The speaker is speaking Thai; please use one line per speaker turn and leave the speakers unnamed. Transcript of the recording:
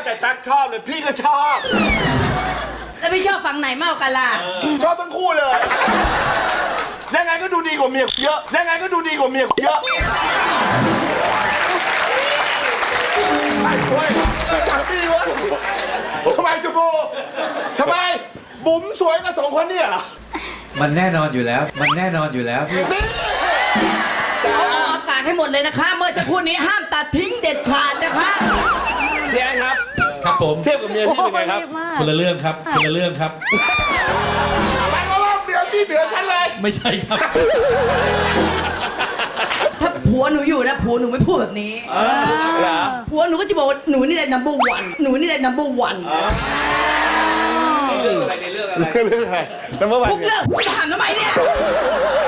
แต่ตั๊กชอบเลยพี่ก็ชอบ
แล้วพี่ชอบฝั่งไหนมากกว่ากันล่ะ
ชอบทั้งคู่เลย ยังไงก็ดูดีกว่าเมียเยอะ ยังไงก็ดูดีกว่าเมียเยอะไอ้เว้ยจับดีวะทำไมจูบูทำไมบุ๋มสวยกับสองคนเนี่ยเหรอ
มันแน่นอนอยู่แล้ว มันแน่นอนอยู่แล้วพี่
เอาอากาศให้หมดเลยนะคะ เมื่อสักครู่นี้ห้ามตัดทิ้งเด็ดขาดนะคะ
พี่แอนครับ
ครับผม
เทียบกับเมียพี่เป็นไงครับ
คนละเรื่องครับคนละเรื่องครับ
หมายความว่าเมียพี่เหนือฉันเลย
ไม่ใช่ครับ
ถ้าผัวหนูอยู่นะผัวหนูไม่พูดแบบนี้
เหรอ
ผัวหนูก็จะบอกว่าหนูนี่แหละ number one หนูนี่แหละ number one
เรื่องอะไรแล้วเมื่อวาน
ทุกเรื่องจะถามทำไมเนี่ย